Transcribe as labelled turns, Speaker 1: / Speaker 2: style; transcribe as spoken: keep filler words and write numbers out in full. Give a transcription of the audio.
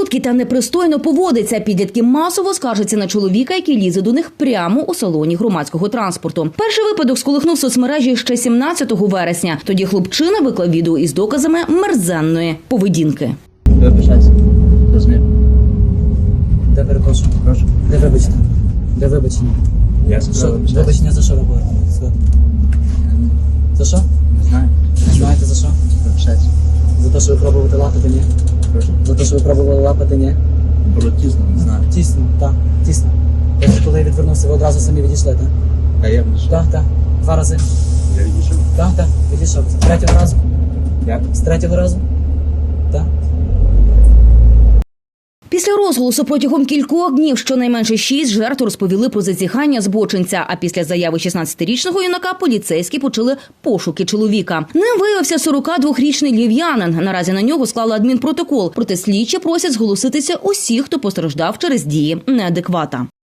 Speaker 1: прудкий та непристойно поводиться. Підлітки масово скаржаться на чоловіка, який лізе до них прямо у салоні громадського транспорту. Перший випадок сколихнув соцмережі ще сімнадцятого вересня. Тоді хлопчина виклав відео із доказами мерзенної поведінки.
Speaker 2: Вибачайся. Розумію.
Speaker 3: Де перепрошую?
Speaker 2: Прошу.
Speaker 3: Де вибачте? Де вибачення?
Speaker 2: Я за що вибачаюся?
Speaker 3: Вибачення за що ви говорите? Все. За що?
Speaker 2: Не знаю.
Speaker 3: Не знаєте за що?
Speaker 2: Вибачайся.
Speaker 3: За те, що ви пробували лапати, ні?
Speaker 2: Прошу.
Speaker 3: За те, що ви пробували лапати, ні?
Speaker 2: Було тісно, не знаю.
Speaker 3: Тісно, так, тісно. Тобто, коли я відвернувся, ви одразу самі відійшли, так?
Speaker 2: А я відійшов.
Speaker 3: Так, так. Два рази.
Speaker 2: Я відійшов.
Speaker 3: Так, так, відійшов. З третього разу?
Speaker 2: Як?
Speaker 3: З третього разу? Так.
Speaker 1: Після розголосу протягом кількох днів щонайменше шість жертв розповіли про зазіхання збочинця. А після заяви шістнадцятирічного юнака поліцейські почали пошуки чоловіка. Ним виявився сорокадвохрічний львів'янин. Наразі на нього склали адмінпротокол. Проте слідчі просять зголоситися усіх, хто постраждав через дії неадеквата.